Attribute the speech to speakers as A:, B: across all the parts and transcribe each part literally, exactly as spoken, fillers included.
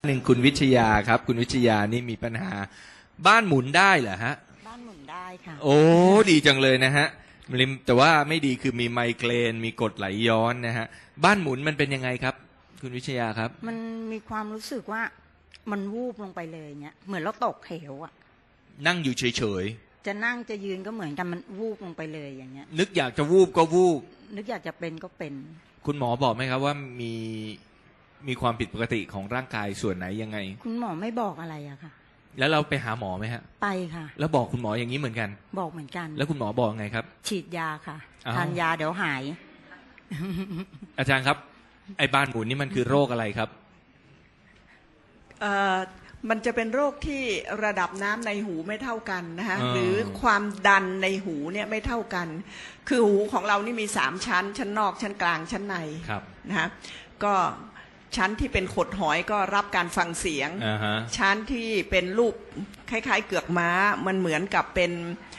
A: หนึ่งคุณวิชยาครับคุณวิชยานี่มีปัญหาบ้านหมุนได้เหรอฮะ
B: บ้านหมุนได้ค่ะ
A: โอ้ดีจังเลยนะฮะแต่ว่าไม่ดีคือมีไมเกรนมีกรดไหลย้อนนะฮะบ้านหมุนมันเป็นยังไงครับคุณวิชยาครับ
B: มันมีความรู้สึกว่ามันวูบลงไปเลยเนี่ยเหมือนเราตกเหวอ่ะ
A: นั่งอยู่เฉย
B: ๆจะนั่งจะยืนก็เหมือนกันมันวูบลงไปเลยอย่างเงี้ย
A: นึกอยากจะวูบก็วูบ
B: นึกอยากจะเป็นก็เป็น
A: คุณหมอบอกไหมครับว่ามีมีความผิดปกติของร่างกายส่วนไหนยังไง
B: คุณหมอไม่บอกอะไรอะค่ะ
A: แล้วเราไปหาหมอไหมฮะ
B: ไปค่ะ
A: แล้วบอกคุณหมออย่างนี้เหมือนกัน
B: บอกเหมือนกัน
A: แล้วคุณหมอบอกไงครับ
B: ฉีดยาค่ะทานยาเดี๋ยวหาย
A: อาจารย์ครับไอ้บ้านหมุนนี่มันคือโรคอะไรครับ
C: เอ่อมันจะเป็นโรคที่ระดับน้ำในหูไม่เท่ากันนะคะหรือความดันในหูเนี่ยไม่เท่ากันคือหูของเรานี่มีสามชั้นชั้นนอกชั้นกลางชั้นในนะคะก็ชั้นที่เป็นขดหอยก็รับการฟังเสียง
A: uh-huh.
C: ชั้นที่เป็นรูปคล้ายๆเกือกม้ามันเหมือนกับเป็น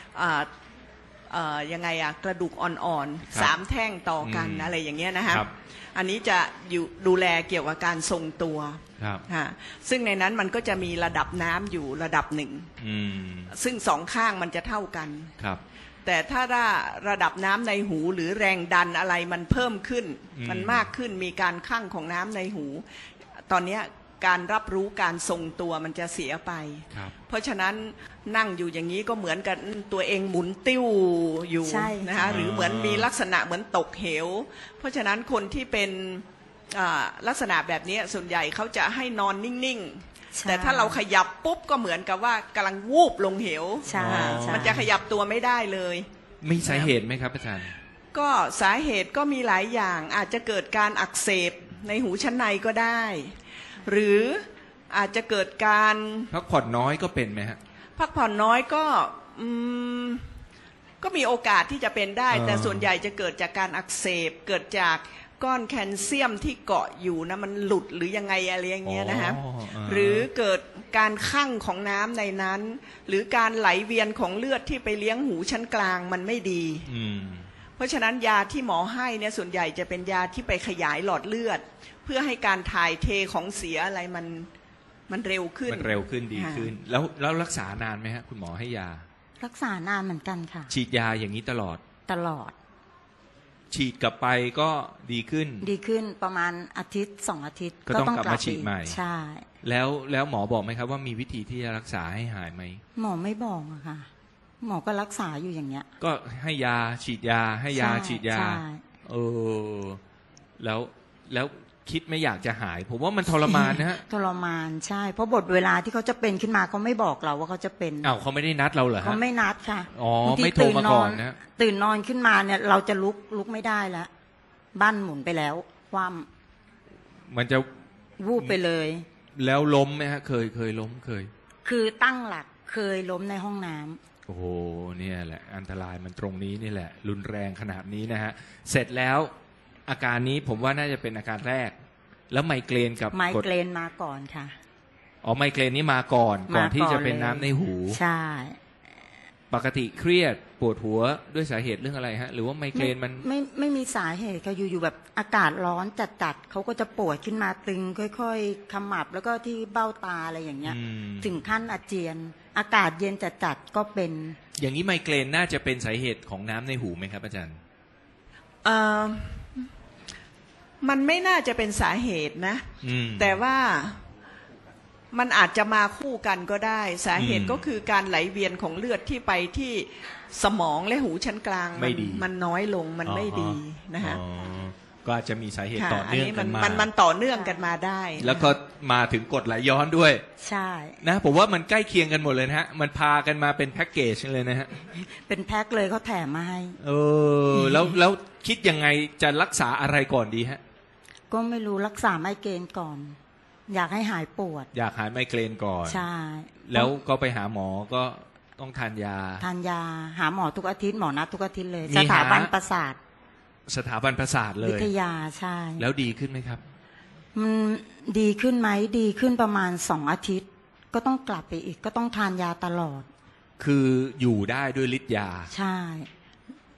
C: ยังไงอะกระดูกอ่อนๆสามแท่งต่อกัน อ, อะไรอย่างเงี้ยนะคะอันนี้จะอยู่ดูแลเกี่ยวกับการทรงตัวซึ่งในนั้นมันก็จะมีระดับน้ำอยู่ระดับหนึ่งซึ่งสองข้างมันจะเท่ากันแต่ถ้าระดับน้ำในหูหรือแรงดันอะไรมันเพิ่มขึ้นมันมากขึ้นมีการคั่งของน้ำในหูตอนนี้การรับรู้การทรงตัวมันจะเสียไปเพราะฉะนั้นนั่งอยู่อย่างนี้ก็เหมือนกับตัวเองหมุนติ้วอยู่นะคะหรือเหมือนมีลักษณะเหมือนตกเหวเพราะฉะนั้นคนที่เป็นลักษณะแบบนี้ส่วนใหญ่เขาจะให้นอนนิ่งๆแต่ถ้าเราขยับปุ๊บก็เหมือนกับว่ากำลังวูบลงเหวมันจะขยับตัวไม่ได้เลย
A: มีสาเหตุไหมครับอาจารย์
C: ก็สาเหตุก็มีหลายอย่างอาจจะเกิดการอักเสบในหูชั้นในก็ได้หรืออาจจะเกิดการ
A: พักผ่อนน้อยก็เป็นไหมฮะ
C: พักผ่อนน้อยก็อืมก็มีโอกาสที่จะเป็นได้แต่ส่วนใหญ่จะเกิดจากการอักเสบเกิดจากก้อนแคลเซียมที่เกาะอยู่นะมันหลุดหรือยังไงอะไรอย่างเงี้ยนะฮะหรือเกิดการคั่งของน้ำในนั้นหรือการไหลเวียนของเลือดที่ไปเลี้ยงหูชั้นกลางมันไม่ดีเพราะฉะนั้นยาที่หมอให้เนี่ยส่วนใหญ่จะเป็นยาที่ไปขยายหลอดเลือดเพื่อให้การถ่ายเทของเสียอะไรมันมันเร็วขึ้น
A: มันเร็วขึ้นดีขึ้นแล้วแล้วรักษานานไหมฮะคุณหมอให้ยา
B: รักษานานเหมือนกันค่ะ
A: ฉีดยาอย่างนี้ตลอด
B: ตลอด
A: ฉีดกลับไปก็ดีขึ้น
B: ดีขึ้นประมาณอาทิตย์สองอาทิตย์
A: ก็ต้องกลับมาฉีดใหม่
B: ใช่
A: แล้วแล้วหมอบอกไหมครับว่ามีวิธีที่จะรักษาให้หายไหม
B: หมอไม่บอกอะค่ะหมอก็รักษาอยู่อย่างเงี้ย
A: ก็ให้ยาฉีดยาให้ยาฉีดยาเออแล้วแล้วคิดไม่อยากจะหายผมว่ามันทรมานนะฮะ
B: ทรมานใช่เพราะบทเวลาที่เขาจะเป็นขึ้นมาเขาไม่บอกเราว่าเขาจะเป็น
A: อ้าวเขาไม่ได้นัดเราเหรอฮะ
B: เขาไม่นัดค่ะ
A: อ๋อไม่โทรมาก่อนนะ
B: ตื่นนอนขึ้นมาเนี่ยเราจะลุกลุกไม่ได้แล้วบ้านหมุนไปแล้วความ
A: มันจะ
B: วูบไปเลย
A: แล้วล้มไหมฮะเคยเคยล้มเคย
B: คือตั้งหลักเคยล้มในห้องน้ำ
A: โอ้โหเนี่ยแหละอันตรายมันตรงนี้นี่แหละรุนแรงขนาดนี้นะฮะเสร็จแล้วอาการนี้ผมว่าน่าจะเป็นอาการแรกแล้วไมเกรนกับ
B: ไมเกรนมาก่อนค่ะ
A: อ๋อไมเกรนนี่มาก่อนก่อนที่จะเป็นน้ำในหู
B: ใช่
A: ปกติเครียดปวดหัวด้วยสาเหตุเรื่องอะไรฮะหรือว่าไมเกรนมัน
B: ไม่ไม่มีสาเหตุค่ะอยู่ๆแบบอากาศร้อนจัดๆเขาก็จะปวดขึ้นมาตึงค่อยๆขมับแล้วก็ที่เบ้าตาอะไรอย่างเงี้ยถึงขั้นอาเจียนอากาศเย็นจัดๆก็เป็น
A: อย่างนี้ไมเกรนน่าจะเป็นสาเหตุของน้ำในหูไหมครับอาจารย์
C: เอ่อมันไม่น่าจะเป็นสาเหตุนะแต่ว่ามันอาจจะมาคู่กันก็ได้สาเหตุก็คือการไหลเวียนของเลือดที่ไปที่สมองและหูชั้นกลางมันมันน้อยลงมันไม่ดีนะฮะ
A: ก็อาจจะมีสาเหตุต่อเนื่องกันมา
C: มันมันต่อเนื่องกันมาได้
A: แล้วก็มาถึงกรดไหลย้อนด้วย
B: ใช่
A: นะผมว่ามันใกล้เคียงกันหมดเลยนะฮะมันพากันมาเป็นแพ็กเกจเลยนะฮะ
B: เป็นแพ็คเลยเขาแถมมาให้
A: เออแล้วแล้วคิดยังไงจะรักษาอะไรก่อนดีฮะ
B: ก็ไม่รู้รักษาไมเกรนก่อนอยากให้หายปวด
A: อยากหายไมเกรนก่อน
B: ใช่
A: แล้วก็ไปหาหมอก็ต้องทานยา
B: ทานยาหาหมอทุกอาทิตย์หมอนัดทุกอาทิตย์เลยสถาบันประสาท
A: สถาบันประสาทเลย
B: วิทยาใช่
A: แล้วดีขึ้นไหมครับ
B: มันดีขึ้นไหมดีขึ้นประมาณสองอาทิตย์ก็ต้องกลับไปอีกก็ต้องทานยาตลอด
A: คืออยู่ได้ด้วยฤทธิ์ยา
B: ใช่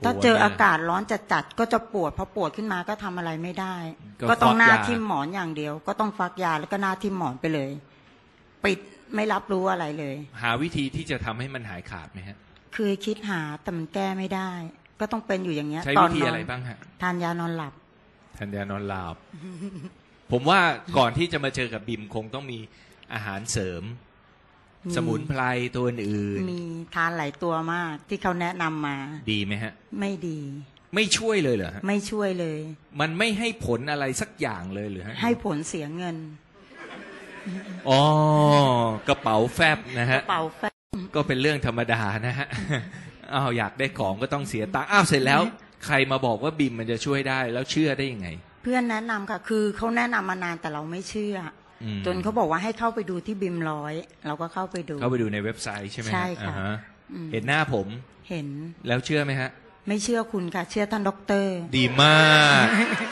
B: ถ้าเจออากาศร้อนจัดๆก็จะปวดพอปวดขึ้นมาก็ทำอะไรไม่ได้ ก็ต้องหน้าทิ่มหมอนอย่างเดียวก็ต้องฟักยาแล้วก็หน้าทิ่มหมอนไปเลยปิดไม่รับรู้อะไรเลย
A: หาวิธีที่จะทำให้มันหายขาดไหมฮะ
B: คือคิดหาแต่มันแก้ไม่ได้ก็ต้องเป็นอยู่อย่างเงี้ย
A: ใช้วิธีอะไรบ้างฮะ
B: ทานยานอนหลับ
A: ทานยานอนหลับ ผมว่าก่อนที่จะมาเจอกับบิมคงต้องมีอาหารเสริมสมุนไพรตัวอื่น
B: มีทานหลายตัวมากที่เขาแนะนำมา
A: ดีไหมฮะ
B: ไม่ดี
A: ไม่ช่วยเลยเหรอฮะ
B: ไม่ช่วยเลย
A: มันไม่ให้ผลอะไรสักอย่างเลยหรือฮะ
B: ให้ผลเสียเงิน
A: อ๋อกระเป๋าแฟบนะฮะ
B: กระเป๋าแฟบ
A: ก็เป็นเรื่องธรรมดานะฮะอ้าวอยากได้ของก็ต้องเสียตังค์อ้าวเสร็จแล้วใครมาบอกว่าบิมมันจะช่วยได้แล้วเชื่อได้ยังไง
B: เพื่อนแนะนำค่ะคือเขาแนะนำมานานแต่เราไม่เชื่อจนเขาบอกว่าให้เข้าไปดูที่บิมร้อยเราก็เข้าไปดู
A: เข้าไปดูในเว็บไซต์ใช่ไหม
B: ใช่ค่ะ
A: เห็นหน้าผม
B: เห็น
A: แล้วเชื่อไหมฮะ
B: ไม่เชื่อคุณค่ะเชื่อท่านด็อกเตอร์
A: ดีมาก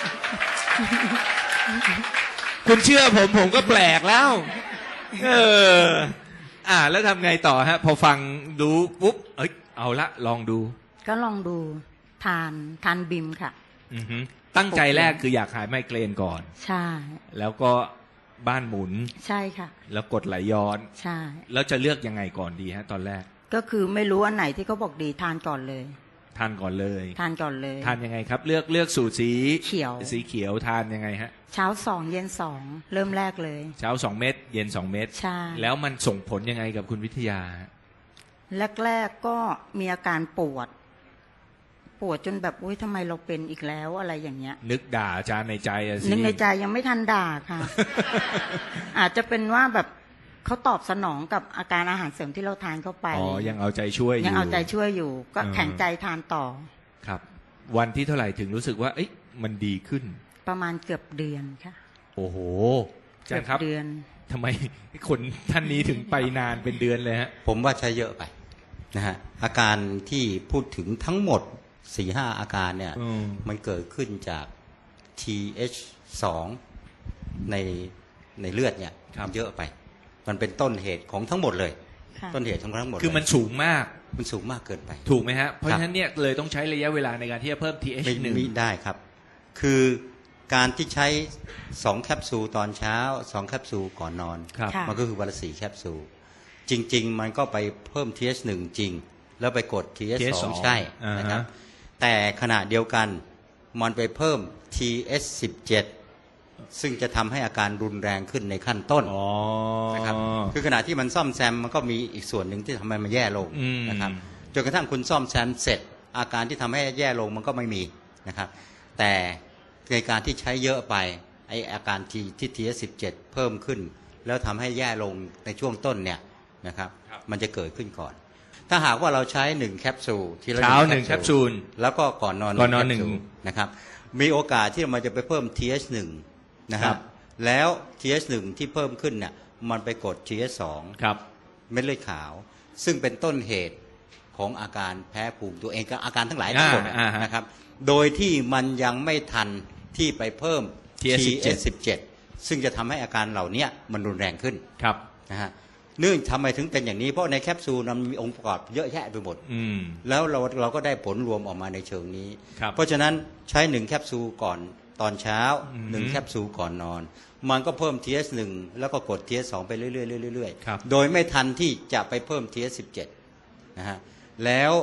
A: คุณเชื่อผมผมก็แปลกแล้วเอออ่าแล้วทำไงต่อฮะพอฟังดูปุ๊บเอ้ยเอาละลองดู
B: ก็ลองดูทานทานบิมค่ะ
A: อือฮึตั้งใจแรกคืออยากหายไมเกรนก่อน
B: ใช่
A: แล้วก็บ้านหมุน
B: ใช่ค่ะ
A: แล้วกดไหลย้อน
B: ใช่
A: แล้วจะเลือกยังไงก่อนดีฮะตอนแรก
B: ก็คือไม่รู้อันไหนที่เขาบอกดีทานก่อนเลย
A: ทานก่อนเลย
B: ทานก่อนเลย
A: ทานยังไงครับเลือกเลือกสูตรสี
B: เขียว
A: สีเขียวทานยังไงฮะ
B: เช้าสองเย็นสองเริ่มแรกเลย
A: เช้าสองเม็ดเย็นสองเม็ด
B: ใช่
A: แล้วมันส่งผลยังไงกับคุณวิทยา
B: แรกๆก็มีอาการปวดปวดจนแบบอุ้ยทำไมเราเป็นอีกแล้วอะไรอย่างเงี้ย
A: นึกด่าอาจารย์ในใจอะสิ
B: นึกในใจยังไม่ทันด่าค่ะ อาจจะเป็นว่าแบบเขาตอบสนองกับอาการอาหารเสริมที่เราทานเข้าไป
A: อ๋อยังเอาใจช่วยอยู่
B: ยังเอาใจช่วยอยู่ก็แข็งใจทานต่อ
A: ครับวันที่เท่าไหร่ถึงรู้สึกว่าเอ๊ะมันดีขึ้น
B: ประมาณเกือบเดือนค่ะ
A: โอ้โห
B: เกือบเดือน
A: ทำไมคนท่านนี้ถึงไปนานเป็นเดือนเลยฮะ
D: ผมว่าใช้เยอะไปนะฮะอาการที่พูดถึงทั้งหมดสี่ห้าอาการเนี่ยมันเกิดขึ้นจาก ที เอช สอง ในในเลือดเนี่ยเยอะไปมันเป็นต้นเหตุของทั้งหมดเลยต้นเหตุของทั้งหมด
A: คือมันสูงมาก
D: มันสูงมากเกินไป
A: ถูกไหมฮะเพราะฉะนั้นเนี่ยเลยต้องใช้ระยะเวลาในการที่จะเพิ่ม ที เอช หนึ่ง
D: ไม่ได้ครับคือการที่ใช้สองแคปซูลตอนเช้าสองแคปซูลก่อนนอนมันก็คือวันละสี่แคปซูลจริงๆมันก็ไปเพิ่ม ที เอช หนึ่ง จริงแล้วไปกด ที เอช สอง ใช่นะครับแต่ขณะเดียวกันมันไปเพิ่ม ที เอช สิบเจ็ด ซึ่งจะทำให้อาการรุนแรงขึ้นในขั้นต้นนะครับคือขณะที่มันซ่อมแซมมันก็มีอีกส่วนหนึ่งที่ทำให้มันแย่ลงนะครับจนกระทั่งคุณซ่อมแซมเสร็จอาการที่ทำให้แย่ลงมันก็ไม่มีนะครับแต่ในการที่ใช้เยอะไปไออาการที่ที่ ที เอช สิบเจ็ด เพิ่มขึ้นแล้วทำให้แย่ลงในช่วงต้นเนี่ยนะครับมันจะเกิดขึ้นก่อนถ้าหากว่าเราใช้หนึ่งแคปซูลทีละ
A: เช้าหนึ่งแคปซูล
D: แล้วก็ก่อนนอน
A: ก่อนนอนหนึ่ง
D: นะครับมีโอกาสที่มันจะไปเพิ่ม ที เอช หนึ่ง นะครับแล้ว ที เอช หนึ่ง ที่เพิ่มขึ้นเนี่ยมันไปกด ที เอช สอง
A: ครับ
D: เม็ดเลือดขาวซึ่งเป็นต้นเหตุของอาการแพ้ภูมิตัวเองกับอาการทั้งหลายทั้งหมดนะครับโดยที่มันยังไม่ทันที่ไปเพิ่ม ที เอช สิบเจ็ด ซึ่งจะทำให้อาการเหล่านี้มันรุนแรงขึ้น
A: ครับ
D: นะฮะเนื่องทำไมถึงเป็นอย่างนี้เพราะในแคปซูลมันมีองค์ประกอบเยอะแยะไปหมดแล้วเราเราก็ได้ผลรวมออกมาในเชิงนี้เพราะฉะนั้นใช้หนึ่งแคปซูลก่อนตอนเช้าหนึ่งแคปซูลก่อนนอนมันก็เพิ่ม ที เอช หนึ่ง แล้วก็กด ที เอช สอง ไปเรื่อยๆเรื่อยๆโดยไม่ทันที่จะไปเพิ่ม ที เอช สิบเจ็ด นะฮะแล้ว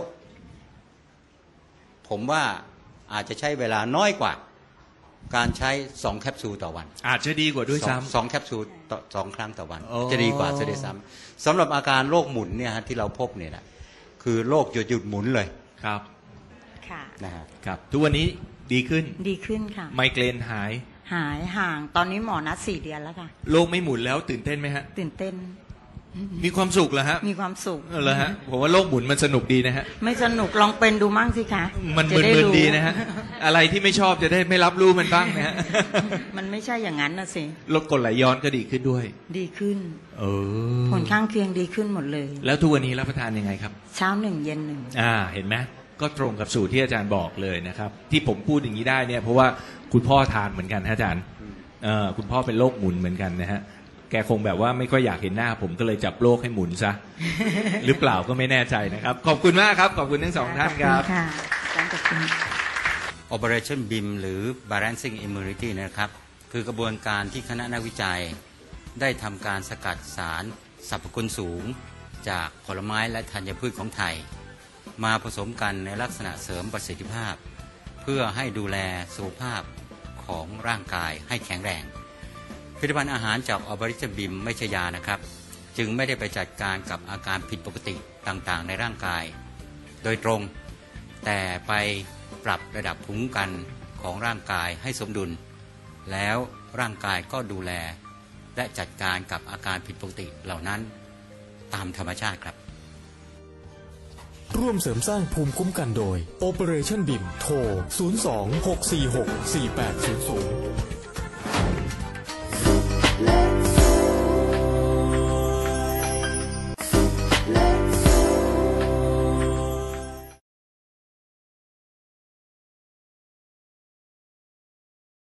D: ผมว่าอาจจะใช้เวลาน้อยกว่าการใช้สองแคปซูลต่อวัน
A: อาจจะดีกว่าด้วยซ้ำ
D: สองแคปซูลต่อสองครั้งต่อวันจะดีกว่าจะได้ซ้ำสำหรับอาการโรคหมุนเนี่ยฮะที่เราพบเนี่ยนะคือโรคหยุดหยุดหมุนเลย
A: ครับ
B: ค่ะ
D: นะฮะ
A: ครับทุกวันนี้ดีขึ้น
B: ดีขึ้นค่ะ
A: ไมเกรนหาย
B: หายห่างตอนนี้หมอนัดสี่เดือนแล้วค่ะ
A: โรคไม่หมุนแล้วตื่นเต้นไหมฮะ
B: ตื่นเต้น
A: มีความสุขเหรอฮะ
B: มีความสุข
A: เหรอฮะผมว่าโลกหมุนมันสนุกดีนะฮะ
B: ไม่สนุกลองเป็นดูมั่งสิคะ
A: มันมึนๆดีนะฮะอะไรที่ไม่ชอบจะได้ไม่รับรู้มันบ้างนะฮะ
B: มันไม่ใช่อย่างนั้นนะสิ
A: ลดกดไหลย้อนก็ดีขึ้นด้วย
B: ดีขึ้น
A: เออ
B: ผลข้างเคียงดีขึ้นหมดเลย
A: แล้วทุกวันนี้รับประทานยังไงครับ
B: เช้าหนึ่งเย็นหนึ่ง
A: อ่าเห็นไหมก็ตรงกับสูตรที่อาจารย์บอกเลยนะครับที่ผมพูดอย่างนี้ได้เนี่ยเพราะว่าคุณพ่อทานเหมือนกันฮะอาจารย์เออคุณพ่อเป็นโรคหมุนเหมือนกันนะฮะแกคงแบบว่าไม่ค่อยอยากเห็นหน้าผมก็เลยจับโลกให้หมุนซะ หรือเปล่าก็ไม่แน่ใจนะครับขอบคุณมากครับขอบคุณทั้งสองท่านครับ
D: Operation บี ไอ เอ็ม หรือ Balancing Immunity นะครับคือกระบวนการที่คณะนักวิจัยได้ทำการสกัดสารสรรพคุณสูงจากผลไม้และธัญพืชของไทยมาผสมกันในลักษณะเสริมประสิทธิภาพเพื่อให้ดูแลสุขภาพของร่างกายให้แข็งแรงผลิตภัณฑ์อาหารจาก Operation บี ไอ เอ็ม ไม่ใช่ยานะครับจึงไม่ได้ไปจัดการกับอาการผิดปกติต่างๆในร่างกายโดยตรงแต่ไปปรับระดับภูมิคุ้มกันของร่างกายให้สมดุลแล้วร่างกายก็ดูแลและจัดการกับอาการผิดปกติเหล่านั้นตามธรรมชาติครับ
E: ร่วมเสริมสร้างภูมิคุ้มกันโดย Operation บี ไอ เอ็ม โทร ศูนย์ สอง หก สี่ หก สี่ แปด ศูนย์ ศูนย์